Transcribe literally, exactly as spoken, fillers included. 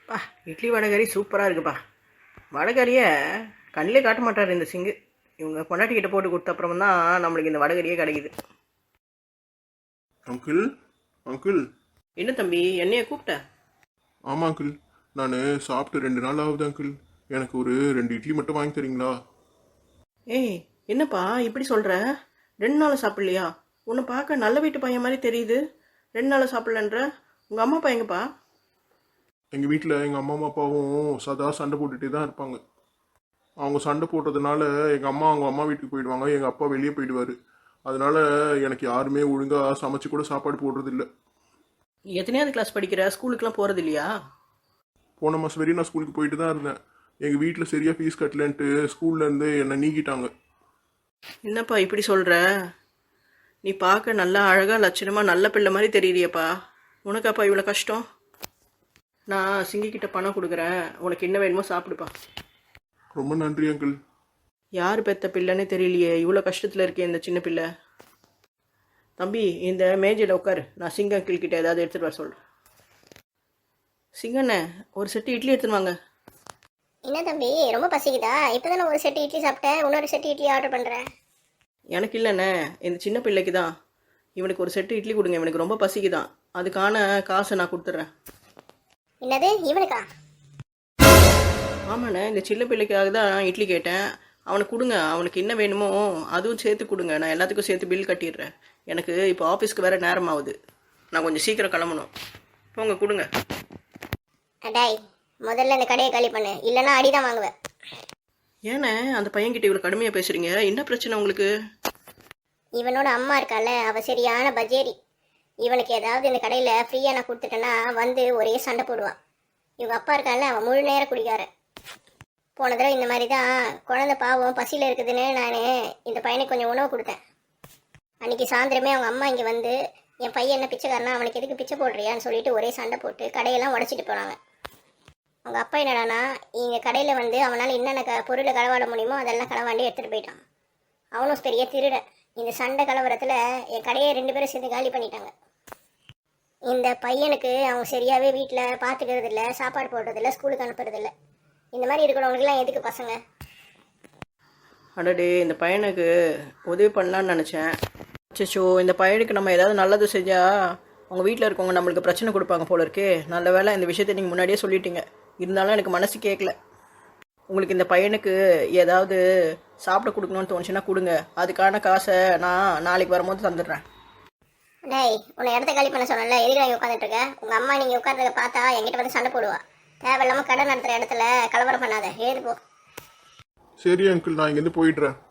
பா இட்லி வடகறி சூப்பராக இருக்குப்பா. வடகறியை கண்ணிலே காட்ட மாட்டார் இந்த சிங்கு. இவங்க பொண்டாட்டிக்கிட்ட போட்டு கொடுத்த அப்புறம் தான் நம்மளுக்கு இந்த வடகறியே கிடைக்குது. அங்கிள் அங்கிள் என்ன தம்பி என்னைய கூப்பிட்ட? ஆமாம் அங்கிள், நான் சாப்பிட்டு ரெண்டு நாள் ஆகுது அங்கிள். எனக்கு ஒரு ரெண்டு இட்லி மட்டும் வாங்கி தரீங்களா? ஏய் என்னப்பா இப்படி சொல்கிற? ரெண்டு நாள் சாப்பிட்லையா? உன்னை பார்க்க நல்ல வீட்டு பையன் மாதிரி தெரியுது. ரெண்டு நாள் சாப்பிட்லன்ற உங்கள் அம்மா அப்பா எங்கப்பா? எங்கள் வீட்டில் எங்கள் அம்மா அப்பாவும் சதா சண்டை போட்டுகிட்டே தான் இருப்பாங்க. அவங்க சண்டை போட்டதுனால எங்கள் அம்மா அவங்க அம்மா வீட்டுக்கு போயிடுவாங்க, எங்கள் அப்பா வெளியே போயிடுவார். அதனால எனக்கு யாருமே ஒழுங்காக சமைச்சு கூட சாப்பாடு போடுறதில்ல. எத்தனையாவது கிளாஸ் படிக்கிற? ஸ்கூலுக்குலாம் போகிறது இல்லையா? போன மாதம் வரையும் நான் ஸ்கூலுக்கு போயிட்டு தான் இருந்தேன். எங்கள் வீட்டில் சரியாக ஃபீஸ் கட்டலன்ட்டு ஸ்கூல்லேருந்து என்னை நீக்கிட்டாங்க. என்னப்பா இப்படி சொல்கிற? நீ பார்க்க நல்லா அழகாக லட்சணமாக நல்ல பிள்ளை மாதிரி தெரியுறியப்பா. உனக்காப்பா இவ்வளோ கஷ்டம்? நான் சிங்கிக்கிட்ட பணம் கொடுக்குறேன், உனக்கு என்ன வேணுமோ சாப்பிடுப்பா. ரொம்ப நன்றி அங்கிள். யார் பெத்த பிள்ளைன்னு தெரியலையே, இவ்வளோ கஷ்டத்தில் இருக்கே இந்த சின்ன பிள்ளை. தம்பி இந்த மேஜையில் உட்காரு, நான் சிங்க அங்கிள் கிட்ட ஏதாவது எடுத்துகிட்டு வர சொல்கிறேன். சிங்கண்ணே ஒரு செட்டு இட்லி எடுத்துன்னு வாங்க. என்ன தம்பி ரொம்ப பசிக்குதா? இப்போ தானே ஒரு செட்டு இட்லி சாப்பிட்டேன், இன்னொரு செட்டு இட்லி ஆர்டர் பண்ணுறேன். எனக்கு இல்லைண்ணே, இந்த சின்ன பிள்ளைக்கு தான். இவனுக்கு ஒரு செட்டு இட்லி கொடுங்க, இவனுக்கு ரொம்ப பசிக்குதான். அதுக்கான காசை நான் கொடுத்துட்றேன். என்னது இவனுக்கா? ஆமாண்ணே, இந்த சின்ன பிள்ளைக்காக தான் இட்லி கேட்டேன். அவனுக்கு கொடுங்க, அவனுக்கு என்ன வேணுமோ அதுவும் சேர்த்து கொடுங்க. நான் எல்லாத்துக்கும் சேர்த்து பில் கட்டிடுறேன். எனக்கு இப்போ ஆஃபீஸ்க்கு வேறு நேரம் ஆகுது, நான் கொஞ்சம் சீக்கிரம் கிளம்பணும். போங்க கொடுங்க. அடாய் முதல்ல இந்த கடையை காலி பண்ணு, இல்லைன்னா அடிதான் வாங்குவேன். ஏண்ணே அந்த பையன்கிட்ட இவ்வளோ கடுமையாக பேசுகிறீங்க? என்ன பிரச்சனை உங்களுக்கு? இவனோட அம்மா இருக்கால, அவ சரியான பஜேரி. இவனுக்கு ஏதாவது இந்த கடையில் ஃப்ரீயாக நான் கொடுத்துட்டேன்னா வந்து ஒரே சண்டை போடுவான். இவங்க அப்பா இருக்கால, அவன் முழு நேரம் குடிக்கார. போன தடவை இந்த மாதிரி தான் குழந்தை பாவம் பசியில் இருக்குதுன்னு நான் இந்த பையனுக்கு கொஞ்சம் உணவு கொடுத்தேன். அன்றைக்கி சாயந்தரமே அவங்க அம்மா இங்கே வந்து என் பையன் என்ன பிச்சைக்காரனா, அவனுக்கு எதுக்கு பிச்சை போடுறியான்னு சொல்லிட்டு ஒரே சண்டை போட்டு கடையெல்லாம் உடச்சிட்டு போனாங்க. அவங்க அப்பா என்னடானா இங்கே கடையில் வந்து அவனால் என்னென்ன க பொருளை களவாட முடியுமோ அதெல்லாம் களவாண்டி எடுத்துகிட்டு போயிட்டான். அவனும் பெரிய திருட. இந்த சண்டை கலவரத்தில் என் கடையை ரெண்டு பேரும் சேர்ந்து காலி பண்ணிட்டாங்க. இந்த பையனுக்கு அவங்க சரியாகவே வீட்டில் பார்த்துக்கிறது இல்லை, சாப்பாடு போடுறதில்ல, ஸ்கூலுக்கு அனுப்புறதில்ல. இந்த மாதிரி இருக்கிறவங்களுக்குலாம் எதுக்கு பசங்க? அடடே இந்த பையனுக்கு உதவி பண்ணலான்னு நினச்சேன். அச்சோ இந்த பையனுக்கு நம்ம ஏதாவது நல்லது செஞ்சால் அவங்க வீட்டில் இருக்கவங்க நம்மளுக்கு பிரச்சனை கொடுப்பாங்க போல இருக்கே. நல்ல வேலை இந்த விஷயத்தை நீங்கள் முன்னாடியே சொல்லிட்டீங்க. இருந்தாலும் எனக்கு மனசு கேட்கல. உங்களுக்கு இந்த பையனுக்கு ஏதாவது சாப்பிட கொடுக்கணும்னு தோணுச்சுன்னா கொடுங்க. அதுக்கான காசை நான் நாளைக்கு வரும்போது தந்துடுறேன். டேய் உன்னை இடத்த காலி பண்ண சொன்னல, எதுக்கு நான் உட்காந்துட்டு இருக்கேன்? உங்கள் அம்மா நீங்கள் உட்காந்துருக்க பார்த்தா என்கிட்ட வந்து சண்டை போடுவா. தேவையில்லாமல் கடை நடத்துகிற இடத்துல கலவரம் பண்ணாத, எழுது போ. சரி அங்கிள், நான் இங்கேருந்து போயிடுறேன்.